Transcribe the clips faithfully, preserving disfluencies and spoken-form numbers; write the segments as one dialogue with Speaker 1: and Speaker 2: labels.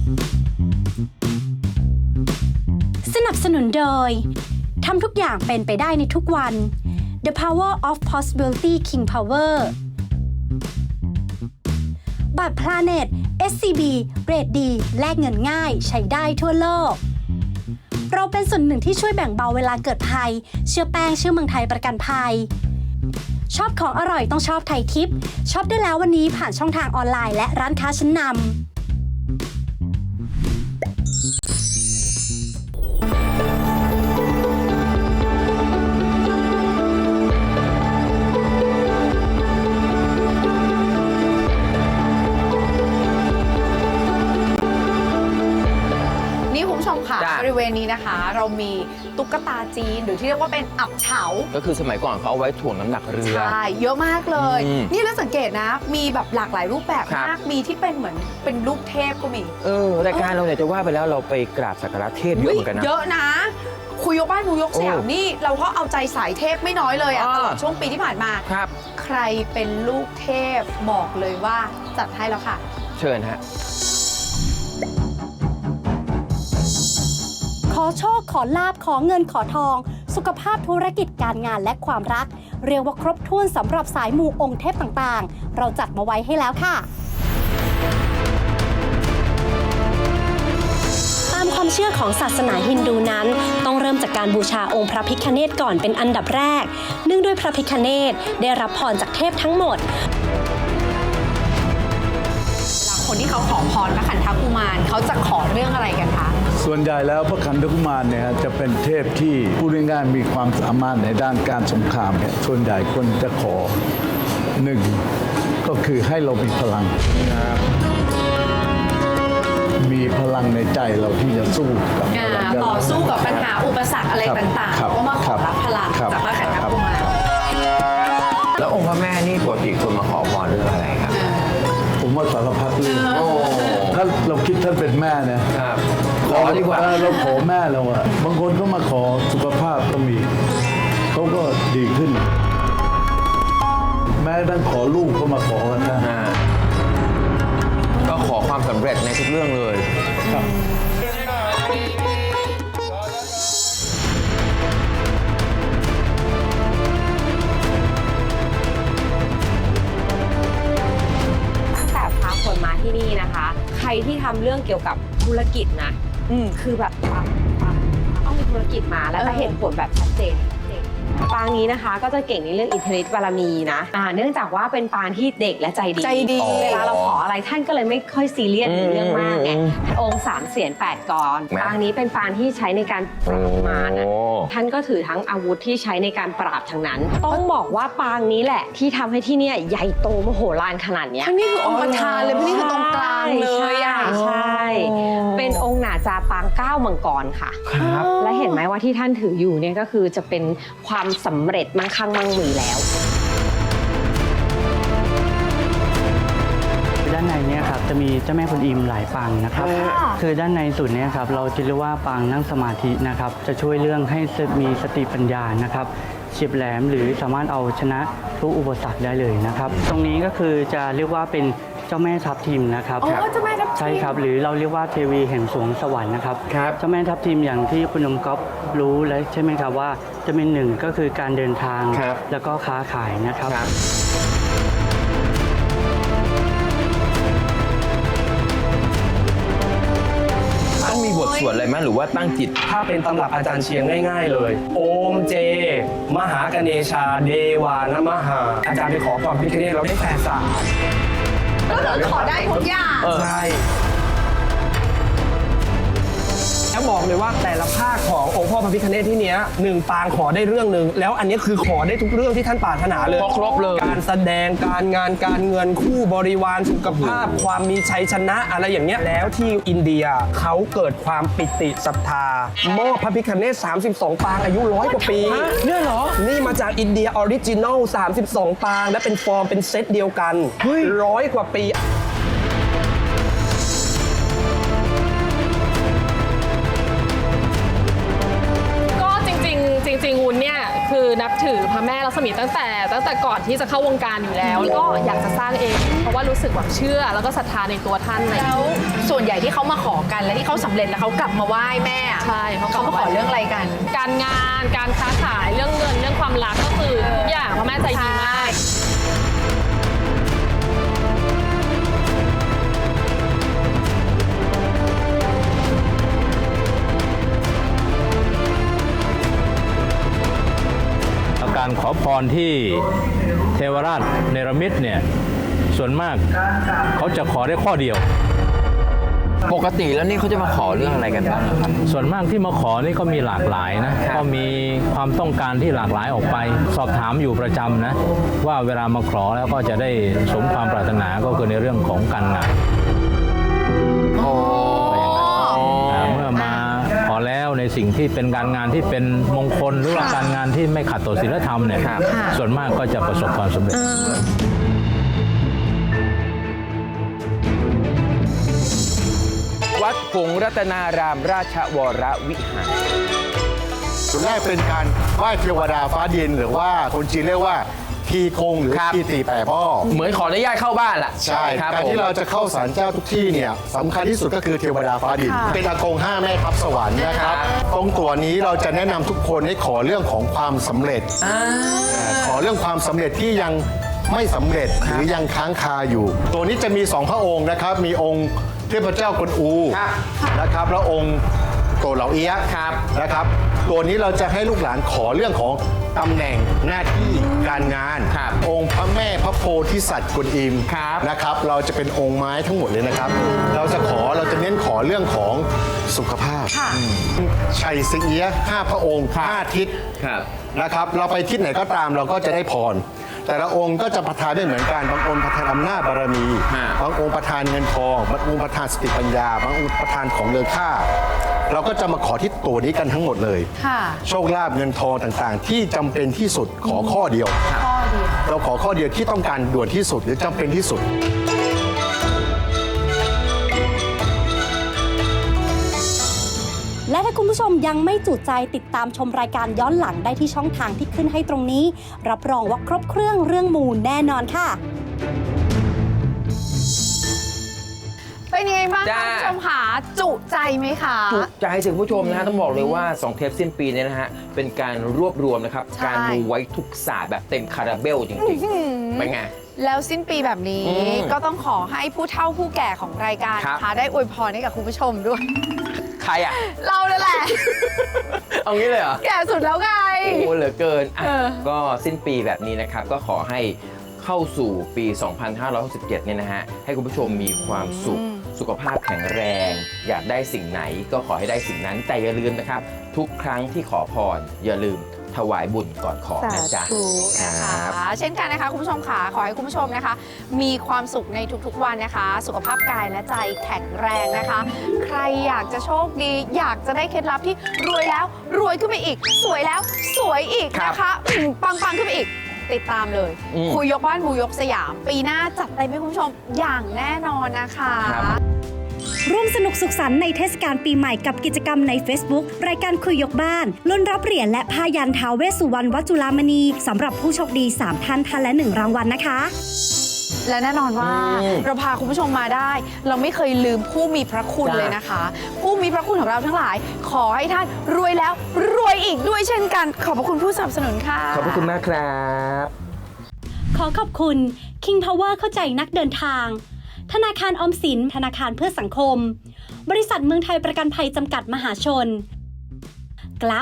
Speaker 1: สนับสนุนโดยทำทุกอย่างเป็นไปได้ในทุกวัน The Power of Possibility King Power บัตร Planet เอส ซี บี เรทดีแลกเงินง่ายใช้ได้ทั่วโลกเราเป็นส่วนหนึ่งที่ช่วยแบ่งเบาเวลาเกิดภัยเชื่อแป้งเชื่อเมืองไทยประกันภัยชอบของอร่อยต้องชอบไทยทิปช็อปได้แล้ววันนี้ผ่านช่องทางออนไลน์และร้านค้าชั้นนำ
Speaker 2: บริเวณนี้นะคะเรามีตุ๊กตาจีนหรือที่เรียกว่าเป็นอับเฉา
Speaker 3: ก็คือสมัยก่อนเขาเอาไว้ถ่วงน้ำหนักเรือ
Speaker 2: ใช่เยอะมากเลยนี่แล้วสังเกตนะมีแบบหลากหลายรูปแบบมากมีที่เป็นเหมือนเป็นรูปเทพก็มี
Speaker 3: เออรายการเราเนี่ยจะว่าไปแล้วเราไปกราบสักการะเทพเยอะเหมือนกันนะ
Speaker 2: เยอะนะคุยยกบ้านคุยยกสยามนี่เราก็เอาใจสายเทพไม่น้อยเลยอะตลอดช่วงปีที่ผ่านมา
Speaker 3: ครับ
Speaker 2: ใครเป็นลูกเทพบอกเลยว่าจัดให้แล้วค่ะ
Speaker 3: เชิญฮะ
Speaker 1: ขอโชคขอลาบขอเงินขอทองสุขภาพธุรกิจการงานและความรักเรียกว่าครบถ้วนสำหรับสายมูองค์เทพต่างๆเราจัดมาไว้ให้แล้วค่ะตามความเชื่อของศาสนาฮินดูนั้นต้องเริ่มจากการบูชาองค์พระพิฆเนศก่อนเป็นอันดับแรกเนื่องด้วยพระพิฆเนศได้รับพรจากเทพทั้งหมด
Speaker 2: คนที่เขาขอพรพระขันธกุมารเขาจะขอเรื่องอะไรกันคะ
Speaker 4: ส่วนใหญ่แล้วพระขันธกุมารเนี่ยจะเป็นเทพที่พูดง่ายๆมีความสามารถในด้านการสงครามเนี่ยส่วนใหญ่คนจะขอหนึ่งก็คือให้เรามีพลังมีพลังในใจเราที่จะสู้กับ
Speaker 2: ต่อสู้กับปัญหาอุปสรรคอะไรต่างๆก็มาขอรับพลังจากพระขันธกุมาร
Speaker 3: แล้วองค์พระแม่นี่ปกติคนมาขอพรเรื่องอะไรครับ
Speaker 4: ผมว่าสารพัดเรื่องถ้าเราคิดท่านเป็นแม่นะ
Speaker 3: ขอดีกว่า
Speaker 4: เราขอแม่เราอะบางคนก็มาขอสุขภาพก็มีเขาก็ดีขึ้นแม้ตั้งขอลูกก็มาขอกันนะ
Speaker 3: ก็ขอความสำเร็จในทุกเรื่องเลยครับ
Speaker 5: คนมาที่นี่นะคะใครที่ทำเรื่องเกี่ยวกับธุรกิจนะอืมคือแบบต้องมีธุรกิจมาแล้วจะเห็นผลแบบชัดเจนปางนี้นะคะก็จะเก่งในเรื่องอิทธิฤทธิ์บารมีนะอ่าเนื่องจากว่าเป็นปางที่เด็กและใจดี
Speaker 2: ใจดี
Speaker 5: เวลาเราขออะไรท่านก็เลยไม่ค่อยซีเรียสในเรื่องมากไงองค์สามเสียนแปดกรปางนี้เป็นปางที่ใช้ในการปราบมารนะท่านก็ถือทั้งอาวุธที่ใช้ในการปราบทั้งนั้นต้องบอกว่าปางนี้แหละที่ทำให้ที่นี่ใหญ่โตมโหฬารขนาดนี้
Speaker 2: นี่คือองค์ประธานเลยนี่คือตรงกลางเลยอ่ะ
Speaker 5: ใช่เป็นองค์หนาจาปางเก้ามังกรค่ะ
Speaker 3: ครับ
Speaker 5: และเห็นไหมว่าที่ท่านถืออยู่เนี่ยก็คือจะเป็นความสำเร็จมั่งคั่งมั่งมีแล้ว
Speaker 6: ด้านในเนี่ยครับจะมีเจ้าแม่กวนอิมหลายปางนะครับคือด้านในสุดเนี่ยครับเราจะเรียกว่าปางนั่งสมาธินะครับจะช่วยเรื่องให้มีสติปัญญานะครับเฉียบแหลมหรือสามารถเอาชนะทุกอุปสรรคได้เลยนะครับตรงนี้ก็คือจะเรียกว่าเป็นเจ้าแม่ทับทิมนะครับ
Speaker 2: อ๋อเจ้าแม่ทับทิม
Speaker 6: ใช่ครับหรือเราเรียกว่าเทวีแห่งสวงสวรรค์นะครับเจ้าแม่ทับทิมอย่างที่คุณนมก๊อฟรู้แล้วใช่ไหมครับว่าจะเป็นหนึ่งก็คือการเดินทางแล้วก็ค้าขายนะครับ
Speaker 3: ต้องมีบทสวดอะไรไหมหรือว่าตั้งจิต
Speaker 7: ถ้าเป็นตำรับอาจารย์เชียงง่ายๆเลยโอมเจมหากเนชาเดวานมหาอาจารย์ไปขอความพิฆเนศเราได้แปดสาม
Speaker 2: ก็คือขอได้ทุกอย่าง
Speaker 7: ใช่แล้วบอกเลยว่าแต่ละภาคขององค์พ่อพระพิฆเนศที่เนี้ยหนึ่งปางขอได้เรื่องหนึ่งแล้วอันนี้คือขอได้ทุกเรื่องที่ท่านปรารถนาเลย
Speaker 3: ครบเลย
Speaker 7: การแสดงการงานการเงินคู่บริวารสุขภาพความมีชัยชนะอะไรอย่างเงี้ยแล้วที่อินเดียเขาเกิดความปิติศรัทธามอบพระพิฆเนศสามสิบสองปางอายุร้อยกว่าปี
Speaker 3: เนี่ยเหรอ
Speaker 7: นี่มาจากอินเดียออริจินอลสามสิบสองปางและเป็นฟอร์มเป็นเซตเดียวกันร้อยกว่าปี
Speaker 8: จริงๆวุ้นเนี่ยคือนับถือถือพระแม่ลักษมีตั้งแต่ตั้งแต่ก่อนที่จะเข้าวงการอยู่แล้วแล้วก็อยากจะสร้างเอง เพราะว่ารู้สึกแบบเชื่อแล้วก็ศรัทธาในตัวท่านอะไรอย่าง
Speaker 2: แล้
Speaker 8: เงี้ยว
Speaker 2: ส่วนใหญ่ที่เขามาขอกันและที่เขาสำเร็จแล้วเขากลับมาไหว้แม่อะ
Speaker 8: ใช่เขา
Speaker 2: เขามาขอเรื่องอะไรกัน
Speaker 8: การงานการค้าขายเรื่องเงินเรื่องความรักก็คือทุกอย่างพระแม่ใจดีมาก
Speaker 9: การขอพรที่เทวราชเนรมิตเนี่ยส่วนมากเขาจะขอได้ข้อเดียว
Speaker 3: ปกติแล้วนี่เขาจะมาขอเรื่องอะไรกันบ้างครับ
Speaker 9: ส่วนมากที่มาขอนี่ก็มีหลากหลายนะก็มีความต้องการที่หลากหลายออกไป สอบถามอยู่ประจำนะว่าเวลามาขอแล้วก็จะได้สมความปรารถนาก็คือในเรื่องของการงานเมื่อมาขอแล้วในสิ่งที่เป็นการงานที่เป็นมงคลหรือว่าการงานที่ไม่ขัดต่อศีลธรรมเนี่ยส่วนมากก็จะประสบความสำเร็จ
Speaker 3: วัดหงส์รัตนารามราชวรวิหาร
Speaker 10: ส่วนแรกเป็นการไหว้เทวดาฟ้าดินหรือว่าคนจีนเรียกว่าทีคงหรือ
Speaker 3: ครับ
Speaker 10: ทีตีแปรพ่อ
Speaker 3: เหมือนขออนุญาตเข้าบ้านล่ะ
Speaker 10: ใช่
Speaker 3: ครับ
Speaker 10: การ
Speaker 3: ผม
Speaker 10: ที่เราจะเข้าศาลเจ้าทุกที่เนี่ยสำคัญที่สุดก็คือเทวดาฟ้าดิน เป็นอากงห้าแม่ทัพสวรรค์นะครับตรงตัวนี้เราจะแนะนำทุกคนให้ขอเรื่องของความสำเร็จขอเรื่องความสำเร็จที่ยังไม่สำเร็จหรือยังค้างคาอยู่ ตัวนี้จะมีสองพระองค์นะครับมีองค์เทพเจ้ากวนอูนะครับแล้วองค์โตเหล่าเอี้ยะนะครับตัวนี้เราจะให้ลูกหลานขอเรื่องของตำแหน่งหน้าที่การงาน องค์พระแม่พระโพธิสัตว์กวนอิมนะครับเราจะเป็นองค์ไม้ทั้งหมดเลยนะครับ เราจะขอเราจะเน้นขอเรื่องของสุขภาพชัยสิงเอี้ยะห้าพระองค์ห้าทิศนะครับเราไปทิศไหนก็ตามเราก็จะได้พร แต่ละองค์ก็จะประทานไม่เหมือนกันบางองค์ประทานอำนาจบารมีบางองค์ประทานเงินทองบางองค์ประทานสติปัญญาบางองค์ประทานของเลือค่า เราก็จะมาขอที่ตัวนี้กันทั้งหมดเลย โชคลาภเงินทองต่างๆ ที่จำเป็นที่สุดขอข้อเดียวข้อเดียวเราขอข้อเดียวที่ต้องการด่วนที่สุดหรือจำเป็นที่สุด
Speaker 1: และถ้าคุณผู้ชมยังไม่จุใจติดตามชมรายการย้อนหลังได้ที่ช่องทางที่ขึ้นให้ตรงนี้ รับรองว่าครบเครื่องเรื่องมูลแน่นอนค่ะ
Speaker 2: เป็นยังไงบ้างคะ
Speaker 3: จ้า
Speaker 2: คุณผู้ชมคะจุใจไหมคะ
Speaker 3: จุใจถึงผู้ชมนะฮะต้องบอกเลยว่าสองเทปสิ้นปีเนี่ยนะฮะเป็นการรวบรวมนะครับ
Speaker 2: ใช่
Speaker 3: การมูไว้ทุกศาสตร์แบบเต็มคาราเบลจริงๆเป็นไง
Speaker 2: แล้วสิ้นปีแบบนี้
Speaker 3: อืม
Speaker 2: ก็ต้องขอให้ผู้เฒ่าผู้แก่ของรายการ
Speaker 3: ครับ
Speaker 2: นะคะได้อวยพรให้กับคุณผู้ชมด้วย
Speaker 3: ใครอ่ะ
Speaker 2: เรานั่นแหละ
Speaker 3: เอางี้เลยเหรอ
Speaker 2: แก่สุดแล้วไง
Speaker 3: โอ้เหลือเกินอ่ะ
Speaker 2: เออ
Speaker 3: ก็สิ้นปีแบบนี้นะครับ ก็ขอให้เข้าสู่ปี สองพันห้าร้อยหกสิบเจ็ด เนี่ยนะฮะ ให้คุณผู้ชมมีความสุข สุขภาพแข็งแรง อยากได้สิ่งไหนก็ขอให้ได้สิ่งนั้น แต่อย่าลืมนะครับ ทุกครั้งที่ขอพร อย่าลืมถวายบุญก่อนขอนะจ๊ะ
Speaker 2: ธุนะคะเช่นกันนะคะคุณผู้ชมค่ะขอให้คุณผู้ชมนะคะ มีความสุขในทุกๆวันนะคะ สุขภาพกายและใจแข็งแรงนะคะ ใครอยากจะโชคดี อยากจะได้เคล็ดลับที่รวยแล้วรวยขึ้นไปอีก สวยแล้วสวยอีกนะคะอืมปังๆขึ้นไปอีก ติดตามเลย
Speaker 3: อืม
Speaker 2: คุยยกบ้านมูยกสยาม ปีหน้าจัดเต็มให้คุณผู้ชมอย่างแน่นอนนะคะ
Speaker 1: ร่วมสนุกสุขสันต์ในเทศกาลปีใหม่กับกิจกรรมใน Facebook รายการคุยยกบ้านลุ้นรับเหรียญและพายันท้าวเวสสุวรรณวัดจุฬามณีสำหรับผู้โชคดีสามท่านท่านละหนึ่งรางวัลนะคะ
Speaker 2: และแน่นอนว่า
Speaker 3: อืม
Speaker 2: เราพาคุณผู้ชมมาได้ เราไม่เคยลืมผู้มีพระคุณ
Speaker 3: จ้ะ
Speaker 2: เลยนะคะ ผู้มีพระคุณของเราทั้งหลาย ขอให้ท่านรวยแล้วรวยอีกด้วยเช่นกัน ขอบพระคุณผู้สนับสนุนค่ะ
Speaker 3: ขอบพระคุณมากครับ
Speaker 1: ขอขอบคุณ King Power เข้าใจนักเดินทาง ธนาคารออมสินธนาคารเพื่อสังคม บริษัทเมืองไทยประกันภัยจำกัดมหาชน กลับ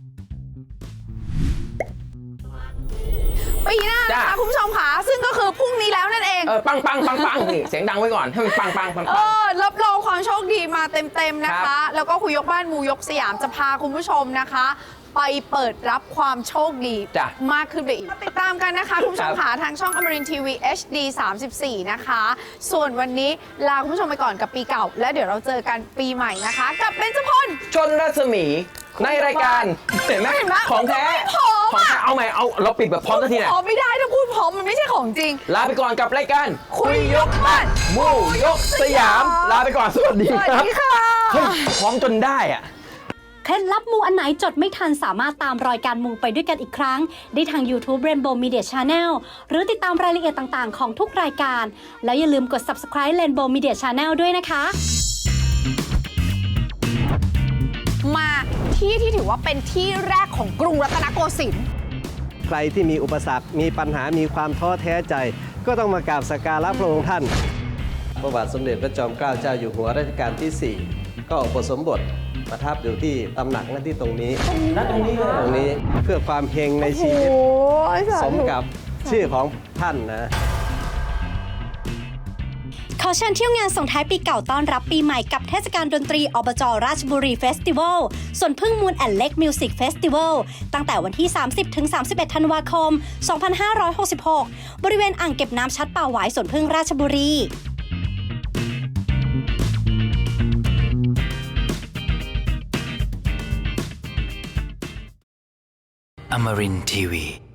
Speaker 2: ปีหน้านะ
Speaker 3: จ้ะ
Speaker 2: คะคุณผู้ชมค่ะ ซึ่งก็คือพรุ่งนี้แล้วนั่นเอง
Speaker 3: เออปังปังปังปังนี่เสียงดังไว้ก่อนให้มันปังปังปัง
Speaker 2: เอ
Speaker 3: ปัง
Speaker 2: อรับรองความโชคดีมาเต็มๆนะ
Speaker 3: ครั
Speaker 2: คะ
Speaker 3: บ
Speaker 2: แล้วก็คุยยกบ้านมูยกสยามจะพาคุณผู้ชมนะคะ ไปเปิดรับความโชคดี
Speaker 3: จ้ะ
Speaker 2: มากขึ้นไปอีก ติดตามกันนะคะ คุณผู้ชม
Speaker 3: ครับ
Speaker 2: ค่ะทางช่องอมรินทีวี เอช ดี สามสิบสี่ นะคะ ส่วนวันนี้ลาคุณผู้ชมไปก่อนกับปีเก่า แล้วเดี๋ยวเราเจอกันปีใหม่นะคะ กับเบญจพล
Speaker 3: ชนรัศมีในรายการเห็นไหม
Speaker 2: เห็นไหม
Speaker 3: ของแท้
Speaker 2: พร้อม
Speaker 3: ของ
Speaker 2: อะ
Speaker 3: แท้เอาใหม่เอาเราปิดแบบพร้อมกันทีไหน
Speaker 2: พร้อมไม่ได้ถ้าพูดพร้อมมันไม่ใช่ของจริง
Speaker 3: ลาไปก่อนกับรายการ
Speaker 2: คุยยกบ้าน
Speaker 3: มูยกสยาม ลาไปก่อนสวัสดี
Speaker 2: สวัส
Speaker 3: ครับ
Speaker 2: ดีค่ะ
Speaker 3: เฮ้ยพร้อมจนได้อะ
Speaker 1: เคล็ดลับมูอันไหนจดไม่ทันสามารถตามรอยการมูไปด้วยกันอีกครั้งได้ทาง YouTube Rainbow Media Channel หรือติดตามรายละเอียดต่างๆของทุกรายการแล้วอย่าลืมกด Subscribe Rainbow Media Channel ด้วยนะคะ
Speaker 2: มาที่ที่ถือว่าเป็นที่แรกของกรุงรัตนโกสินทร์
Speaker 11: ใครที่มีอุปสรรคมีปัญหามีความท้อแท้ใจ ก็ต้องมากราบสักการะพระองค์ท่านพระบาทสมเด็จพระจอมเกล้าเจ้าอยู่หัวรัชกาลที่ สี่ ก็อุปสมบทประทับอยู่ที่ตำหนักนั่นที่ตรงนี้ตรงนี้ตรงนี้เพื่อความเฮงในชีวิตสมกับชื่อของท่านนะ
Speaker 1: ขอเชิญเที่ยวงานส่งท้ายปีเก่าต้อนรับปีใหม่กับเทศกาลดนตรีอบจ.ราชบุรีเฟสติวัลส่วนพึ่งมูลแอนด์เล็กมิวสิกเฟสติวัลตั้งแต่วันที่ สามสิบถึงสามสิบเอ็ด ธันวาคม สองพันห้าร้อยหกสิบหก บริเวณอ่างเก็บน้ำชัดป่าหวายสวนพึ่งราชบุรี
Speaker 12: Amarin Tiwi